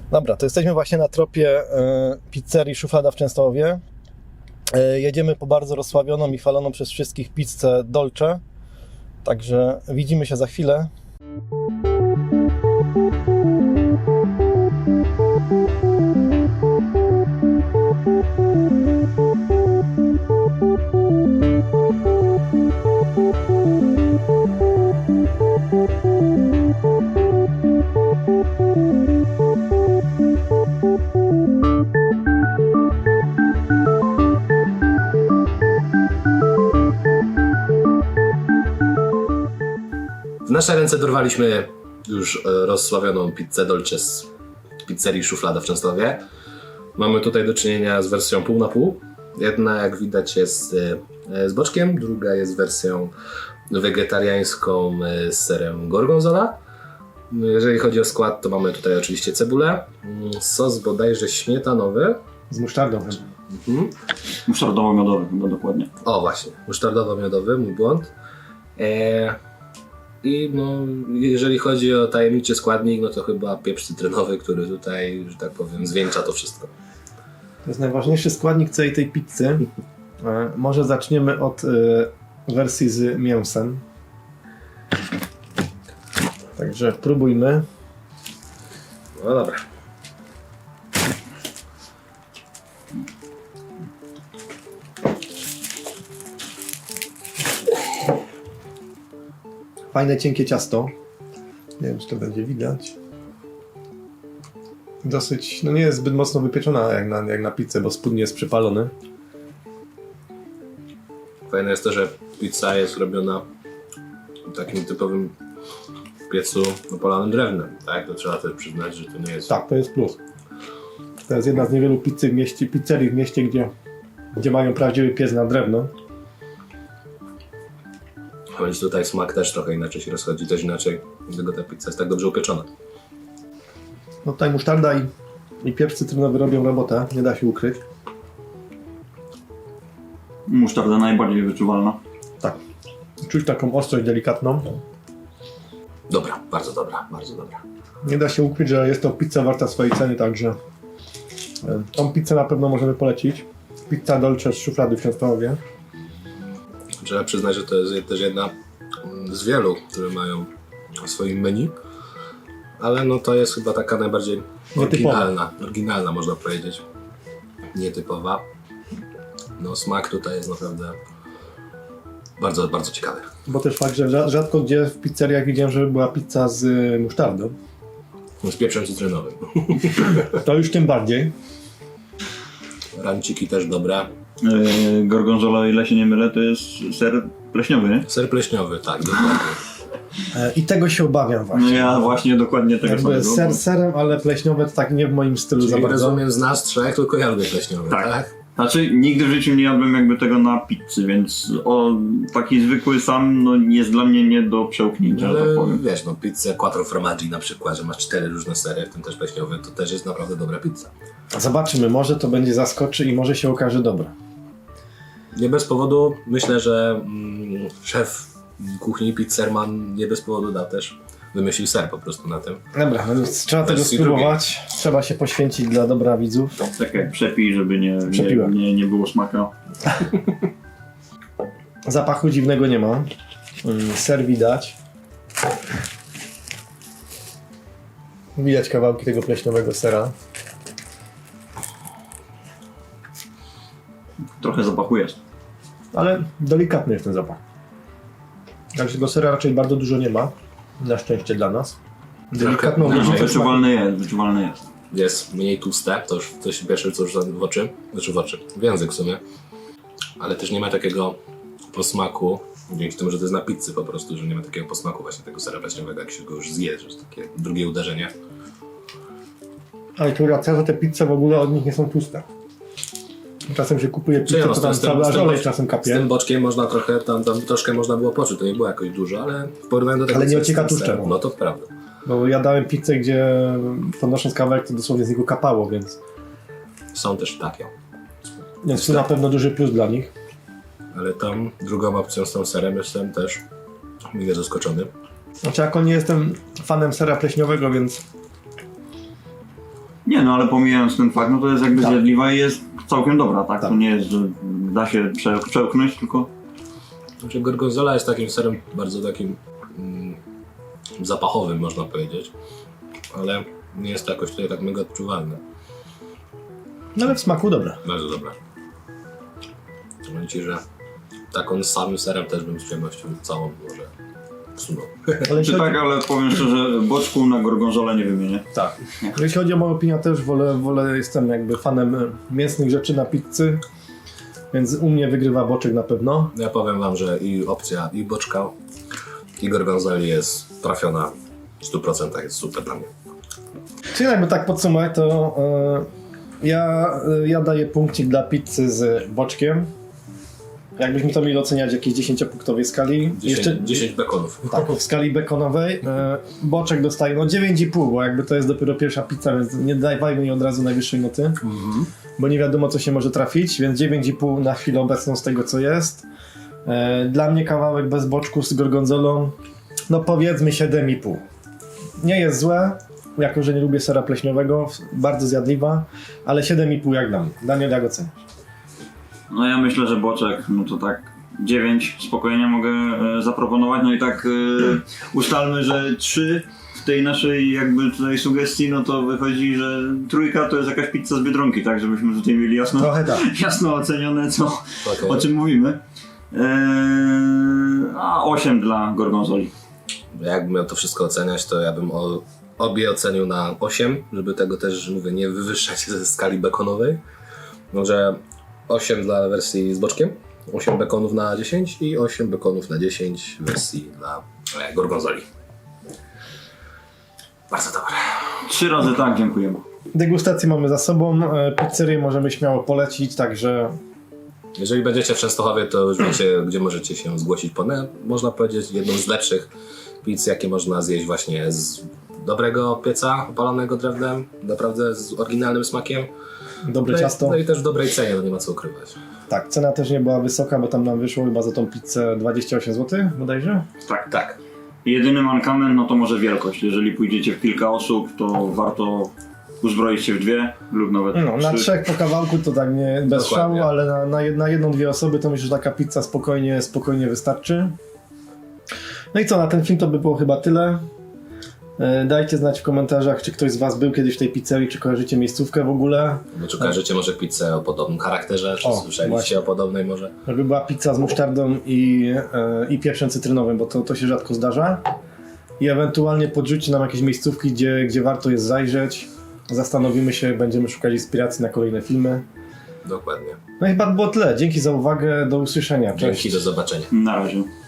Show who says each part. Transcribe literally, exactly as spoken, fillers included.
Speaker 1: Dobra, to jesteśmy właśnie na tropie y, pizzerii Szuflada w Częstochowie. Y, jedziemy po bardzo rozsławioną i chwaloną przez wszystkich pizzę Dolce. Także widzimy się za chwilę.
Speaker 2: W nasze ręce dorwaliśmy już rozsławioną pizzę Dolce z pizzerii Szuflada w Częstochowie. Mamy tutaj do czynienia z wersją pół na pół. Jedna, jak widać, jest z boczkiem, druga jest wersją wegetariańską z serem gorgonzola. Jeżeli chodzi o skład, to mamy tutaj oczywiście cebulę, sos bodajże śmietanowy.
Speaker 1: Z musztardą.
Speaker 2: Mhm.
Speaker 3: Musztardowo-miodowy chyba dokładnie.
Speaker 2: O właśnie, musztardowo-miodowy, mój błąd. E... I no, jeżeli chodzi o tajemniczy składnik, no to chyba pieprz cytrynowy, który tutaj, że tak powiem, zwieńcza to wszystko.
Speaker 1: To jest najważniejszy składnik całej tej pizzy. E, może zaczniemy od e, wersji z mięsem. Także próbujmy.
Speaker 2: No dobra.
Speaker 1: Fajne, cienkie ciasto. Nie wiem, czy to będzie widać. Dosyć, no nie jest zbyt mocno wypieczona jak na, jak na pizzę, bo spód nie jest przypalony.
Speaker 2: Fajne jest to, że pizza jest robiona w takim typowym piecu opalanym drewnem, tak? To trzeba też przyznać, że to nie jest...
Speaker 1: Tak, to jest plus. To jest jedna z niewielu pizzy w mieście, pizzerii w mieście, gdzie, gdzie mają prawdziwy piec na drewno.
Speaker 2: Choć tutaj smak też trochę inaczej się rozchodzi, też inaczej, dlatego ta pizza jest tak dobrze upieczona.
Speaker 1: No tutaj musztarda i, i pieprz cytrynowy robią robotę, nie da się ukryć.
Speaker 3: Musztarda najbardziej wyczuwalna.
Speaker 1: Tak. Czuć taką ostrość delikatną.
Speaker 2: Dobra, bardzo dobra, bardzo dobra.
Speaker 1: Nie da się ukryć, że jest to pizza warta swojej ceny, także e, tą pizzę na pewno możemy polecić. Pizza Dolce z Szuflady w Częstochowie.
Speaker 2: Trzeba przyznać, że to jest też jedna z wielu, które mają w swoim menu, ale no to jest chyba taka najbardziej oryginalna, oryginalna można powiedzieć, nietypowa. No smak tutaj jest naprawdę bardzo, bardzo ciekawy.
Speaker 1: Bo też fakt, że rzadko gdzie w pizzeriach widziałem, żeby była pizza z musztardą.
Speaker 2: Z pieprzem cytrynowym.
Speaker 1: To już tym bardziej.
Speaker 2: Ranciki też dobre.
Speaker 3: Yy, gorgonzola, o ile się nie mylę, to jest ser pleśniowy, nie?
Speaker 2: Ser pleśniowy, tak, dokładnie.
Speaker 1: E, I tego się obawiam właśnie.
Speaker 3: No ja właśnie dokładnie tego
Speaker 1: Jakby
Speaker 3: samego.
Speaker 1: ser serem, ale pleśniowe to tak nie w moim stylu
Speaker 2: Czyli
Speaker 1: za bardzo.
Speaker 2: rozumiem, z nas trzech tylko ja lubię pleśniowy, tak?
Speaker 3: Tak. Znaczy nigdy w życiu nie jadłem jakby tego na pizzy, więc o, taki zwykły sam no, jest dla mnie nie do przełknięcia,
Speaker 2: Ale
Speaker 3: że tak powiem.
Speaker 2: wiesz, no pizzę quattro formaggi na przykład, że masz cztery różne sery, w tym też pleśniowy, to też jest naprawdę dobra pizza.
Speaker 1: Zobaczymy, może to będzie zaskoczy i może się okaże dobre.
Speaker 2: Nie bez powodu, myślę, że mm, szef kuchni, pizzerman nie bez powodu da też, wymyślił ser po prostu na tym.
Speaker 1: Dobra, no więc trzeba tego
Speaker 2: Wersji
Speaker 1: spróbować. Trzeba się poświęcić dla dobra widzów.
Speaker 3: Tak jak przepij, żeby nie, nie,
Speaker 1: Przepiłem.
Speaker 3: nie, nie było smaka.
Speaker 1: Zapachu dziwnego nie ma. Mm, Ser widać. Widać kawałki tego pleśniowego sera.
Speaker 3: Trochę zapachu jest.
Speaker 1: Ale delikatny jest ten zapach. Także tego sera raczej bardzo dużo nie ma. Na szczęście dla nas. Delikatną
Speaker 2: Trochę-
Speaker 3: No,
Speaker 1: różnicę smaku.
Speaker 3: wyczuwalny jest, wyczuwalny jest.
Speaker 2: Jest mniej tłuste, to już to się pierwsze co już w oczy, znaczy w oczy, w język w sumie, ale też nie ma takiego posmaku, dzięki temu, że to jest na pizzy po prostu, że nie ma takiego posmaku właśnie tego sera pleśniowego, jak się go już zje, że jest takie drugie uderzenie.
Speaker 1: Ale tu racja, że te pizze w ogóle od nich nie są tłuste. Czasem się kupuje pizzę,
Speaker 2: Czy no,
Speaker 1: to tam
Speaker 2: z tym-
Speaker 1: cały
Speaker 2: z tym
Speaker 1: aż olej
Speaker 2: boczkiem-
Speaker 1: czasem
Speaker 2: Z
Speaker 1: kapie.
Speaker 2: tym boczkiem można trochę, tam, tam troszkę można było poczuć, to nie było jakoś dużo, ale w porównaniu do tego,
Speaker 1: Ale nie
Speaker 2: co jest
Speaker 1: ocieka
Speaker 2: ten ser,
Speaker 1: tłuszczem.
Speaker 2: no to prawda.
Speaker 1: Bo ja dałem pizzę, gdzie podnosząc kawałek, to dosłownie z niego kapało, więc,
Speaker 2: Są też takie,
Speaker 1: więc to na pewno duży plus dla nich.
Speaker 2: ale tam drugą opcją z tą serem jestem też mile zaskoczony.
Speaker 1: Znaczy, jako nie jestem fanem sera pleśniowego, więc
Speaker 3: Nie no, ale pomijając ten fakt, no to jest jakby
Speaker 1: Tak.
Speaker 3: zjadliwa i jest całkiem dobra, tak?
Speaker 1: Tak.
Speaker 3: To nie jest, że da się prze, przełknąć, tylko...
Speaker 2: Znaczy gorgonzola jest takim serem bardzo takim mm, zapachowym, można powiedzieć, ale nie jest to jakoś tutaj tak mega odczuwalne.
Speaker 1: No ale w smaku dobre.
Speaker 2: Bardzo dobre. Powiem Ci, że taką samym serem też bym z przyjemnością całą może wsunął.
Speaker 1: Ale jeśli
Speaker 3: Czy
Speaker 1: chodzi,
Speaker 3: tak, ale powiem szczerze, boczku na gorgonzole nie wymienię.
Speaker 1: tak. Jeśli chodzi o moją opinię, też wolę, wolę, jestem jakby fanem mięsnych rzeczy na pizzy, więc u mnie wygrywa boczek na pewno.
Speaker 2: Ja powiem Wam, że i opcja i boczka, i gorgonzoli jest trafiona w stu procentach, jest super dla mnie.
Speaker 1: Czyli jakby tak podsumować, to yy, ja, yy, ja daję punkcik dla pizzy z boczkiem. Jakbyśmy to mieli oceniać w jakiejś dziesięciopunktowej skali.
Speaker 2: dziesięć, dziesięć bekonów.
Speaker 1: Tak, w skali bekonowej. Yy, boczek dostaje no dziewięć i pół, bo jakby to jest dopiero pierwsza pizza, więc nie dawajmy jej od razu najwyższej noty.
Speaker 2: Mhm.
Speaker 1: Bo nie wiadomo co się może trafić, więc dziewięć i pół na chwilę obecną z tego co jest. Yy, dla mnie kawałek bez boczku z gorgonzolą, no powiedzmy siedem i pół. Nie jest złe, jako że nie lubię sera pleśniowego, bardzo zjadliwa, ale siedem i pół jak dla mnie. Daniel, jak oceniasz?
Speaker 3: No ja myślę, że boczek, no to tak dziewięć spokojnie mogę e, zaproponować, no i tak e, ustalmy, że trzy w tej naszej jakby tutaj sugestii, no to wychodzi, że trójka to jest jakaś pizza z Biedronki, tak, żebyśmy tutaj mieli jasno,
Speaker 1: Trochę tak.
Speaker 3: jasno ocenione, co,
Speaker 2: Okej.
Speaker 3: o czym mówimy. E, a osiem dla gorgonzoli.
Speaker 2: Jakbym miał to wszystko oceniać, to ja bym o, obie ocenił na osiem, żeby tego też, mówię, nie wywyższać ze skali bekonowej. Może osiem dla wersji z boczkiem, osiem bekonów na dziesięć i osiem bekonów na dziesięć w wersji dla e, gorgonzoli. Bardzo dobre.
Speaker 3: Trzy razy tak, dziękujemy.
Speaker 1: Degustację mamy za sobą, e, pizzerię możemy śmiało polecić, także
Speaker 2: Jeżeli będziecie w Częstochowie, to już wiecie, gdzie możecie się zgłosić po, ne- można powiedzieć, jedną z lepszych pizz, jakie można zjeść właśnie z dobrego pieca opalonego drewnem, naprawdę z oryginalnym smakiem.
Speaker 1: dobre
Speaker 2: No i,
Speaker 1: ciasto.
Speaker 2: no i też w dobrej cenie, no nie ma co ukrywać.
Speaker 1: Tak, cena też nie była wysoka, bo tam nam wyszło chyba za tą pizzę dwadzieścia osiem złotych bodajże.
Speaker 3: Tak.
Speaker 2: Tak.
Speaker 3: Jedyny mankament, no to może wielkość. Jeżeli pójdziecie w kilka osób, to warto uzbroić się w dwie lub nawet
Speaker 1: No, na
Speaker 3: trzy.
Speaker 1: trzech po kawałku to tak nie bez
Speaker 2: Dokładnie.
Speaker 1: szału, ale na, na, jed, na jedną, dwie osoby to myślę, że taka pizza spokojnie, spokojnie wystarczy. No i co, na ten film to by było chyba tyle. E, Dajcie znać w komentarzach, czy ktoś z Was był kiedyś w tej pizzerii, czy kojarzycie miejscówkę w ogóle.
Speaker 2: No, czy kojarzycie może pizzę o podobnym charakterze, czy
Speaker 1: O,
Speaker 2: słyszeliście
Speaker 1: właśnie.
Speaker 2: o podobnej może?
Speaker 1: Żeby była pizza z musztardą i, e, i pieprzem cytrynowym, bo to, to się rzadko zdarza. I ewentualnie podrzućcie nam jakieś miejscówki, gdzie, gdzie warto jest zajrzeć. Zastanowimy się, będziemy szukać inspiracji na kolejne filmy.
Speaker 2: Dokładnie.
Speaker 1: No i chyba było tyle. Dzięki za uwagę, do usłyszenia. Cześć.
Speaker 2: Dzięki, do zobaczenia.
Speaker 3: Na razie.